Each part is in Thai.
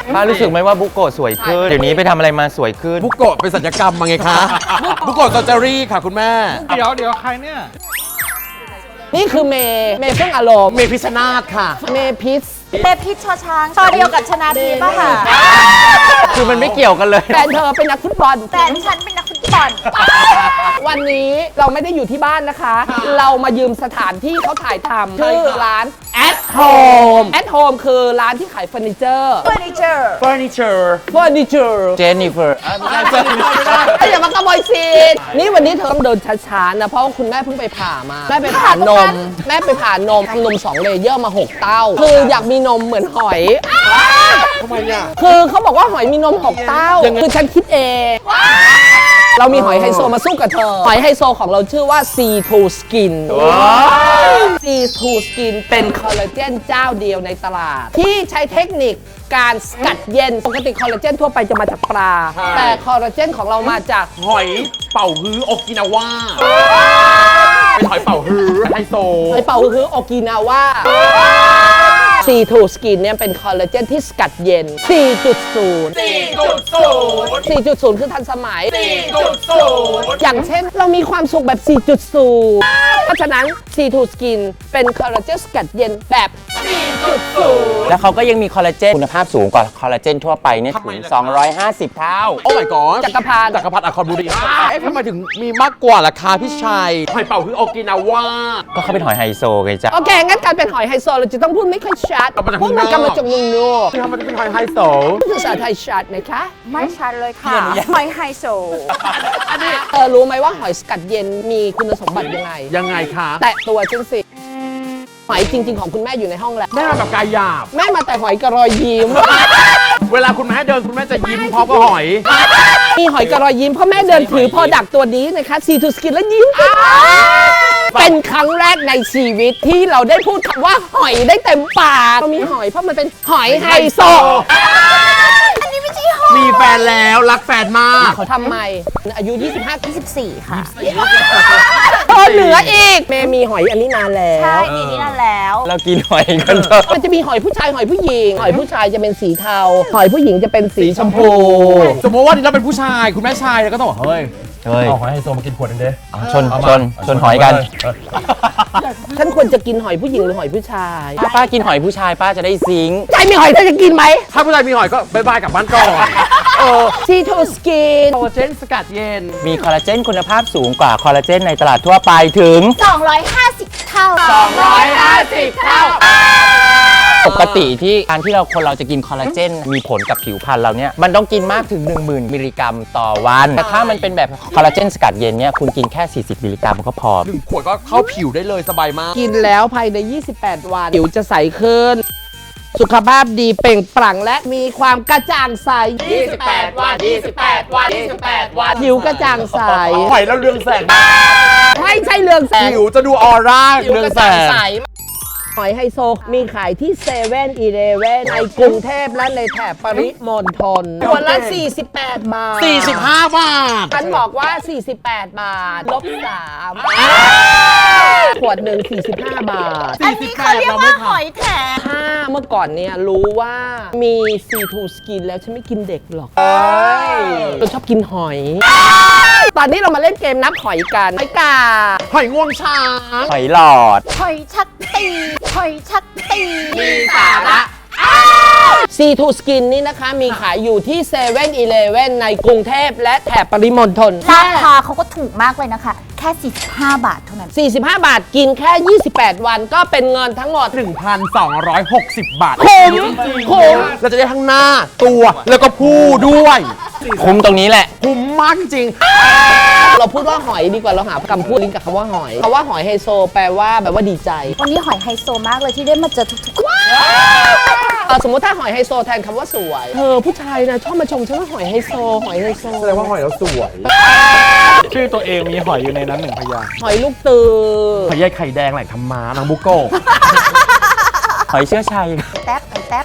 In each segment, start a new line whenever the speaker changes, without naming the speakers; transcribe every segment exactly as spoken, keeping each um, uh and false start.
ป้ารู้สึกไหมว่าบุโกะสวยขึ้นเดี๋ยวนี้ไปทำอะไรมาสวยขึ้น
บุโกะเป็นศัลยกรรมมาไงคะ บุโกะเซอร์เจอรี่ค่ะคุณแม่
เดี๋ยวเดี๋ยวใครเนี่ย
นี่คือเมย์เมย์เพิ่งอารมณ์
เมพิชนาธค่ะ
เมย์พิษ
เบพิชชอช้างชอเดียวกับชนาทีป่ะค่ะ
คือมันไม่เกี่ยวกันเลย
แฟนเธอเป็นนักฟุตบอล
แต่ฉันเป็นนักฟุตบอล
วันนี้เราไม่ได้อยู่ที่บ้านนะคะ เรามายืมสถานที่เขาถ่ายทำชื่อร้าน At Home At Home คือร้านที่ขายเฟอร์นิเจอร์
เฟอร์นิเจอร์
furniture
เฟอร์นิเจอร์
เจนนิเฟอร์
อย่ามาขโมยซีนนี่วันนี้เธอต้องเดินช้าๆนะ เพราะว่าคุณแม่เพิ่งไปผ่ามา แม่ไปผ่านม แม่ไปผ่านมทำนมสองเลเยอร์มาหกเต้า คืออยากมีนมเหมือนหอย
ทำไมอ่ะ
คือเขาบอกว่าหอยมีนมหกเต้า คือฉันคิดเอง เรามีหอยไฮโซมาสู้กับเธอ หอยไฮโซของเราชื่อว่า ซี ทู Skin ซี ทู Skin เป็นคอลลาเจนเจ้าเดียวในตลาด ที่ใช้เทคนิคการสกัดเย็น ปกติคอลลาเจนทั่วไปจะมาจากปลา แต่คอลลาเจนของเรามาจาก
หอยเป่าฮื้อโอกินาวาเป็นหอยเป่าฮื้อไฮโซ
หอยเป่าคือโอกินาวา ซี ทู Skin เนี่ยเป็นคอลลาเจนที่สกัดเย็น สี่จุดศูนย์
สี่จุดศูนย์
สี่จุดศูนย์ คือทันสมัย
สี่จุดศูนย์
อย่างเช่นเรามีความสุขแบบ สี่จุดศูนย์ เพราะฉะนั้น ซี ทู Skin เป็นคอลลาเจนสกัดเย็นแบบ สี่จุดศูนย์
แล้วเขาก็ยังมีคอลลาเจนคุณภาพสูงกว่าคอลลาเจนทั่วไปเนี่ยถึงสองร้อยห้าสิบเท่า
โอ้ my god
จักรพรรดิ
จักรพรรดิอัครบุรีเอ๊ะทำไมถึงมีมากกว่าล่ะคะพี่ชัยหอยเป่าฮื้อโอกินาวา
ก็เขาเป็นหอยไฮโซไงจ๊ะ
โอเค งั้นการเป็นหอยไฮโซเราจะต้องพูดไม่ค่อยชัด
เอามาจาก
พูด
เมื
มั
อน งนอก
กำมาจากเมืองนอก
ทำไมถึงเป็นหอยไฮโซ
ภาษาไทยชัดนะคะ
ไม่ชัดเลยค่ะหอยไฮโซ
เธอรู้ไหมว่าหอยสกัดเย็นมีคุณสมบัติยังไง
ยังไงคะ
แตะตัวฉันสิ หอยจริง ๆ ของคุณแม่อยู่ในห้องแล้ว
แม่มาแบบกายหยาบ
แม่มาแต่หอยกระรอยยิ้ม
เวลาคุณแม่เดินคุณแม่จะยิ้มพร้อมกับหอย
มีหอยกระรอยยิ้มเพราะแม่เดินถือพอดักตัวนี้นะคะ ซี ทู Skin แล้วยิ้มเป็นครั้งแรกในชีวิตที่เราได้พูดคำว่าหอยได้เต็มปากเรามีหอยเพราะมันเป็นหอยไฮโซ
อันนี้ไม่ใช่หอย
มีแฟนแล้วรักแฟนมาก
เขาทำไมอายุ ยี่สิบห้า
ยี่สิบสี่ค่ะ
เธอเหนืออีกเมย์มีหอยอันนี้นานแล้
ใช่
ว
มีนี่นั่นแล้ว
เรากินหอยกันเถอะ
มันจะมีหอยผู้ชายหอยผู้หญิง หอยผู้ชายจะเป็นสีเทา หอยผู้หญิงจะเป็นสีชมพู
สมมติว่านี่เราเป็นผู้ชายคุณแม่ชายเราก็ต้องบอกเฮ้ย
เฮ้ย
เอาหอยไฮโซมากินขวดหนึงเด้
เอาชนชนชนหอยกัน
ฉันควรจะกินหอยผู้หญิงหรือหอยผู้ชาย
ถ้าป้ากินหอยผู้ชายป้าจะได้ซิงค์
ใจมีหอยเธอจะกินไหม
ถ้าผู้ชายมีหอยก็บายบายกลับบ้านก่อนเออ
ซี ทู Skin
โคเจนสกัดเย็น
มีคอลลาเจนคุณภาพสูงกว่าคอลลาเจนในตลาดทั่วไปถึง
สองร้อยห้าสิบเท่า
สองร้อยห้าสิบเท่า
ปกติที่การที่เราคนเราจะกินคอลลาเจนมีผลกับผิวพรรณเราเนี่ยมันต้องกินมากถึง หนึ่งหมื่น มิลลิกรัมต่อวัน แต่ถ้ามันเป็นแบบคอลลาเจนสกัดเย็นเนี่ยคุณกินแค่ สี่สิบ มิลลิกรัมก็พอ
หนึ่งขวดก็เข้าผิวได้เลยสบายมาก
กินแล้วภายใน ยี่สิบแปด วัน ผิวจะใสขึ้น สุขภาพดีเปล่งปลั่งและมีความกระจ่างใส ยี่สิบแปด วัน ยี่สิบแปด วัน ยี่สิบแปด วัน ผิวกระจ่างใส
หอยแล้วเรืองแสง
ไม่ใช่เรืองแสง
ผิวจะดูออร่า
ผิว
เรือง
กระ
แส
จ่าง
ง
ใส หอยไฮโซมีขายที่เซเว่นอีเลเว่นในกรุงเทพและในแถบปริมณฑลขวดละ สี่สิบแปด บาท
สี่สิบห้าบาท
ฉันบอกว่า สี่สิบแปด บาท ลบสามขวดหนึ่งสี่สิบห้า บาท
อันนี้เขาเรียกว่าหอยแถม
ถ้าเมื่อก่อนเนี่ยรู้ว่ามี ซี ทู Skin แล้วฉันไม่กินเด็กหรอกเราชอบกินหอย ตอนนี้เรามาเล่นเกมนับหอยกันหอยกา
หอยงวงช้าง
หอยหลอด
หอยชักตีหอยชักตี
มีสาระ ซี ทู Skin นี่นะคะมีขายอยู่ที่เซเว่นอีเลเว่นในกรุงเทพและแถบปริมณฑล
ราคาเขาก็ถูกมากเลยนะคะ แค่ สี่สิบห้า บาทเท่านั้น
สี่สิบห้า บาทกินแค่ ยี่สิบแปด วันก็เป็นเงินทั้งหมด
หนึ่งพันสองร้อยหกสิบ บาท
คุ้มคุ้ม
เราจะได้ทั้งหน้าตัวแล้วก็ผู้ด้วย
คุ้มตรงนี้แหละ
คุ้มมากจริง
เราพูดว่าหอยดีกว่าเราหาคำพูดลิงก์กับคำว่าหอยคำว่าหอยไฮโซแปลว่าแบบว่าดีใจ
วันนี้หอยไฮโซมากเลยที่ได้มาเจอทุกๆคน
เออสมมติถ้าหอยไฮโซแทนคำว่าสวยเธอผู้ชายนะชอบมาชมฉันว่าหอยไฮโซหอยไฮโซ
แสดงว่าหอยเราสวย
ชื่อตัวเองมีหอยอยู่ในนั้นหนึ่งพยางค์
หอยลูกตือ
หอยใยไข่แดงแหล่งธรรมานางบุโกะ
หอยเชื้อชัย
แท็บไอแท็บ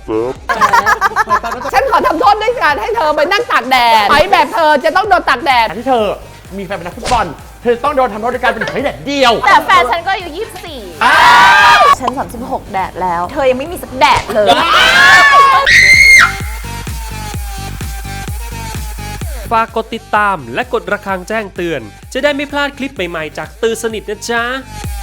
ฉันขอทำโทษด้วยการให้เธอไปนั่งตากแดดหอยแบบเธอจะต้องโดนตากแดด
ที่เธอมีแฟนเป็นนักฟุตบอลเธอต้องโดนทำโทษด้วยการเป็นหอยแดดเดียว
แต่แฟนฉันก็อายู่ยี่สิบสี่ฉันสามสิบหกแดดแล้ว เธอยังไม่มีสักแดดเลย
ฝากกดติดตามและกดระฆังแจ้งเตือน จะได้ไม่พลาดคลิปใหม่ๆจากตือสนิทนะจ๊ะ